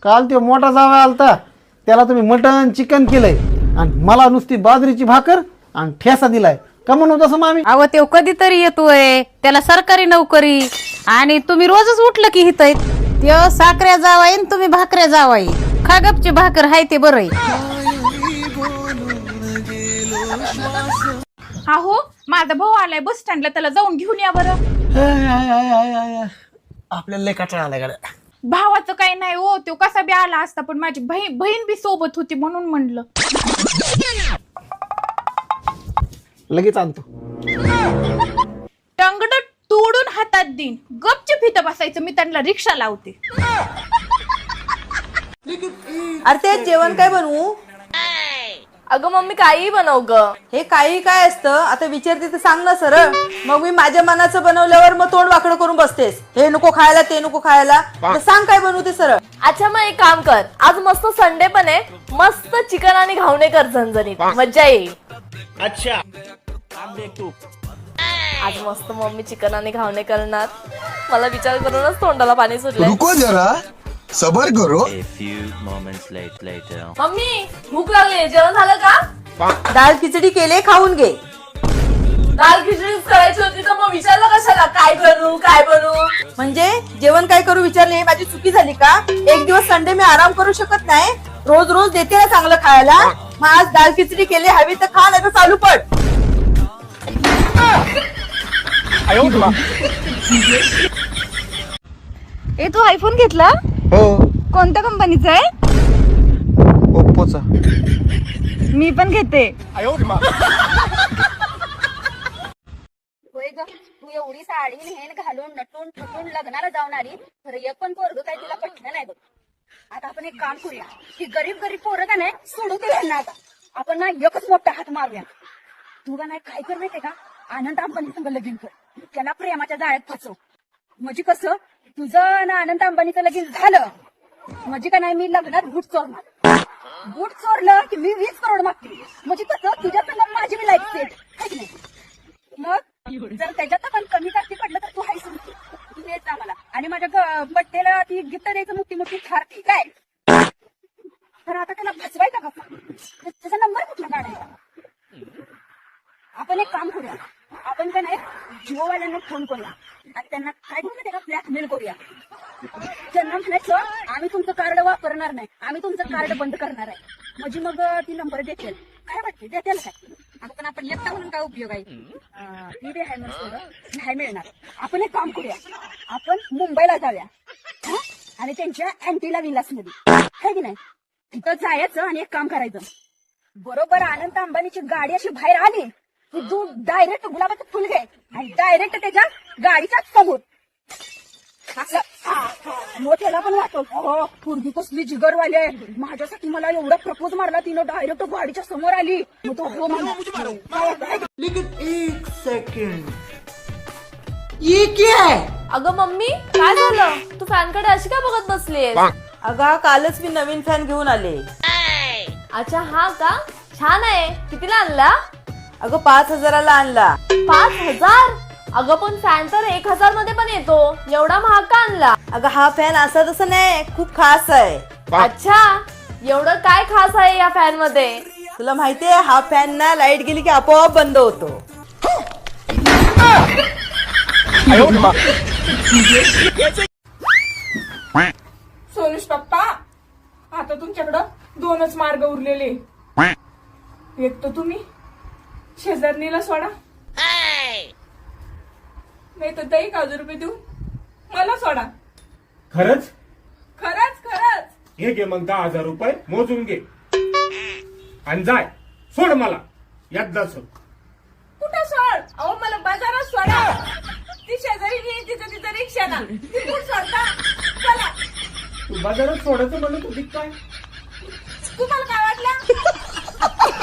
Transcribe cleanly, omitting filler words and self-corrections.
काल ते मोठा जावा आलता, त्याला तुम्ही मटन चिकन केलंय आणि मला नुसती बाजरीची भाकर आणि ठेसा दिलाय. का म्हणू तसं मामी? अहो ते कधीतरी येतोय, त्याला सरकारी नोकरी आणि तुम्ही रोजच उठलं की हित त्यो साखऱ्या जावाई आणि तुम्ही भाकऱ्या जावाई. खा गपची भाकर हाय ते बरं आहे. अहो माझा भाऊ आलाय बस स्टँडला, त्याला जाऊन घेऊन या बरं. आपल्याला लय कटाळा आलाय गाड्या. भावाचं काही नाही हो, तो कसा बी आला असता, पण माझी बहीण बी सोबत होती म्हणून म्हणलं. लगेच आणतो. टंगड तोडून हातात देईन, गपचूप इथं बसायचं, मी त्यांना रिक्षा लावते. अरे ते जेवण काय बनवू? अगं मम्मी काही बनव ग. हे काही काय असतं? आता विचारते तर सांग ना सरळ. मग मी माझ्या मनाचं बनवल्यावर मग तोंड वाकडं करून बसतेस. हे नको खायला ते नको खायला, तर सांग काय बनवू ते सरळ. अच्छा मग एक काम कर, आज मस्त संडे पण आहे, मस्त चिकन आणि घावणे कर झणझणीत, मज्जा येईल. अच्छा आज मस्त मम्मी चिकन आणि घावणे करणार. मला विचार करूनच तोंडाला पाणी सुटलंय. रुको जरा सबर करो. A few moments later. Mummy भूक लागली, जेवण झालं का? डाळ खिचडी केले, खाऊन घे. दाल खिचडीच करायची होती तर मग विचारलं कशाला काय करू काय बनवू? म्हणजे जेवण काय करू विचारले, हे माझी चुकी झाली का? एक दिवस संडे मी आराम करू शकत नाही? रोज रोज देते ना चांगलं खायला. मग आज डाळ खिचडी केली, हवी तर खा, नाही तर चालू पड. ए तू आयफोन घेतला? हो, कोणत्या कंपनीचा आहे? ओप्पोचा. मी पण घेते. होय ग, तू एवढी साडी नेहन घालून नटून थटून लग्नाला जाऊन आली, खरं एक पण पोरग काय तिला पटलं नाही बघ. आता आपण एक काम करूया, की गरीब गरीब पोरं का नाही सोडू दे यांना. आता आपण ना एकच मोठा हात मारूया. तू का नाही काय कर माहितीये का, आनंद अंबानी संग लगीन कर, त्याला प्रेमाच्या जाळ्यात फसव. म्हणजे कसं, तुझं ना आनंद अंबानीचं लगीन झालं म्हणजे का नाही, मी लग्नात बूट चोरणार. बूट चोरलं की मी 20 करोड मागते. म्हणजे कसं, तुझ्या संग माझी बी लाईफ सेट आहे की नाही. मग जर त्याच्यात पण कमी जास्ती पडलं तर तू हायस तू देत जा मला. आणि माझ्या बड्डेला ती गिफ्ट द्यायचं, मोठी मोठी थार ती काय. तर आता त्याला फसवायचा कसा, त्याचा नंबर कुठला काढायचा. आपण एक काम करूया, आपण का नाही जिओवाल्यांना फोन करूया आणि त्यांना काय करू, त्याला ब्लॅकमेल करूया. त्यांना म्हणायचं आम्ही तुमचं कार्ड वापरणार नाही, आम्ही तुमचं कार्ड बंद करणार आहे. म्हणजे मग ती नंबर देतील. काय वाटते देतील काय? आता पण आपण लेफ्टा म्हणून काय उपयोग आहे, ती बी आहे नाही मिळणार. आपण एक काम करूया, आपण मुंबईला जाऊया आणि त्यांच्या अँटीला विलासमध्ये आहे की नाही, तिथं जायचं आणि एक काम करायचं. बरोबर आनंद अंबानीची गाडी अशी बाहेर आली की तू डायरेक्ट गुलाबाचं फुल घे आणि डायरेक्ट त्याच्या गाडीच्या समोर त्याला पण वाटतो पूर्वी कसली जिगरवाली आहे, माझ्यासाठी मला एवढा प्रपोज मारला तिनं, डायरेक्ट गाडीच्या समोर आली. मग तो हो म्हणला. एक सेकंड, ये क्या है? अगं मम्मी काय झालं, तू फॅनकडे अशी का बघत बसलीयस? अगं कालच मी नवीन फॅन घेऊन आले. अच्छा हा का, छान आहे. कितीला आणला? अगं 5,000ला आणला. 5,000? अगं पण फॅन तर 1,000 मध्ये पण येतो, एवढा महाग का आणला? अगं हा फॅन असा तसं नाही, खूप खास आहे. अच्छा, एवढं काय खास आहे या फॅन मध्ये? तुला माहितीये हा फॅन ना लाईट गेली की आपोआप बंद होतो. सोनुष पप्पा, आता तुमच्याकडं 2च मार्ग उरलेले. एक तर तुम्ही शेजारणीला सोडा, नाही तर 1000 रुपये देऊ मला सोडा. खरंच? खरंच खरंच. हे घे मग 10,000 रुपये मोजून घे आणि जाय, सोड मला एकदा सोड. कुठं सोड? अहो मला बाजारात सोडा. ती शेजारी तिचं रिक्षाला तिथून सोडता. चला. तू बाजारात सोडायचं म्हणत होती काय? तुम्हाला काय वाटलं?